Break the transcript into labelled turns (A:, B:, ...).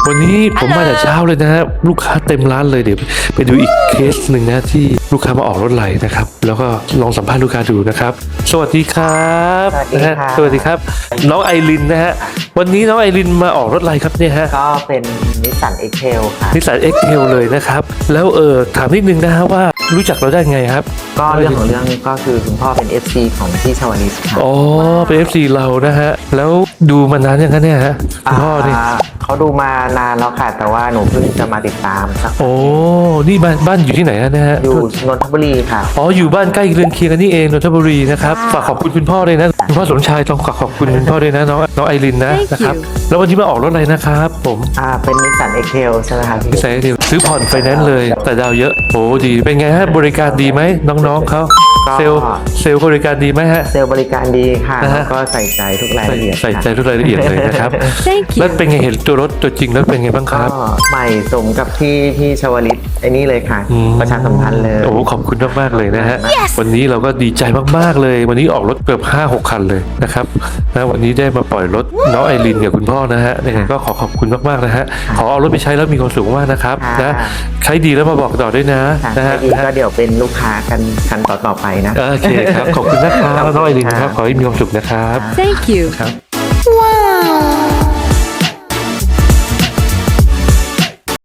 A: วันนี้ผมมาแต่เช้าเลยนะฮะลูกค้าเต็มร้านเลยเดี๋ยวไปดูอีกเคสหนึ่งนะที่ลูกค้ามาออกรถไหลนะครับแล้วก็ลองสัมภาษณ์ลูกค้าดูนะครับสวัสดีครับ
B: สวัสดี
A: นะฮะ
B: ครับ
A: สวัสดีครับน้องไอรินนะฮะวันนี้น้องไอรินมาออกรถไหลครับเนี่ยฮะ
B: ก็เป็นนิสสัน X-Trail ค่ะ
A: นิสสัน X-Trail เลยนะครับแล้วถามนิดนึงนะฮะว่ารู้จักเราได้ไงครับ
B: ก็เรื่องของเรื่องก็คือคุณพ่อเป็น FC ของพี่ชวลิตค่ะ
A: อ๋อเป็น FC เรานะฮะแล้วดูมานานยังคะเนี่ยฮะคุณพ่อนี่
B: เขาดูมานานแล้วค่ะ แต่ว่าหนูเพิ่งจะมาติดตามสัก
A: โอ้นี่บ้านอยู่ที่ไหนฮะเนี่ยฮะ
B: อยู่นนทบุรีค่ะ
A: อ๋ออยู่บ้านใกล้เรือนเคียงกันนี่เองนนทบุรีนะครับฝากขอบคุณคุณพ่อเลยนะคุณพ่อสมชายต้องฝากขอบคุณคุณพ่อด้วยนะน้องไอรินนะครับแล้ววันนี้มาออกรถอะไรนะครับผม
B: เป็นนิสสัน X-Trail ใช่ไหมคะพี่
A: พี่สายเดียวซื้อผ่อนไฟแนนซ์เลยแต่ดาวเยอะโอ้ดีเป็นไงฮะบริการดีไหมน้องๆเขาเซลล์บริการดีไหมฮะ
B: เซลล์บริการดีค่ะ
A: นะฮะ
B: แล้วก็ใส่ใจทุกรายละเอียด
A: ใส่ใจทุกรายละเอียดเลยนะครับ
C: Thank
A: แล้ว
C: you
A: เป็นไงเห็นตัวรถตัวจริงแล้วเป็นไงบ้างค
B: ก็
A: รับ
B: ใหม่สมกับที่พี่ชวลิตไอ้นี่เลยค่ะ ประชาสัมพันธ์เลย
A: โอ้ขอบคุณมากๆเลยนะฮะวันนี้เราก็ดีใจมากๆเลย วันนี้ออกรถเกือบ 5-6 คันเลยนะครับนะวันนี้ได้มาปล่อยรถน้องไอรินกับคุณพ่อนะฮะยังไงก็ขอขอบคุณมากๆนะฮะขอเอารถไปใช้แล้วมีความสุขมากนะครับนะใช้ดีแล้วมาบอกต่อด้วยนะ
B: ค่ะ
A: นะฮะ
B: อีกก็เดี๋ยวเป็นลูกค้ากันคันต่อๆไปนะ
A: โอเคครับขอบคุณนะครับน้องไอรินครับขอให้มีความสุขนะครับ
C: Thank you
A: ครับ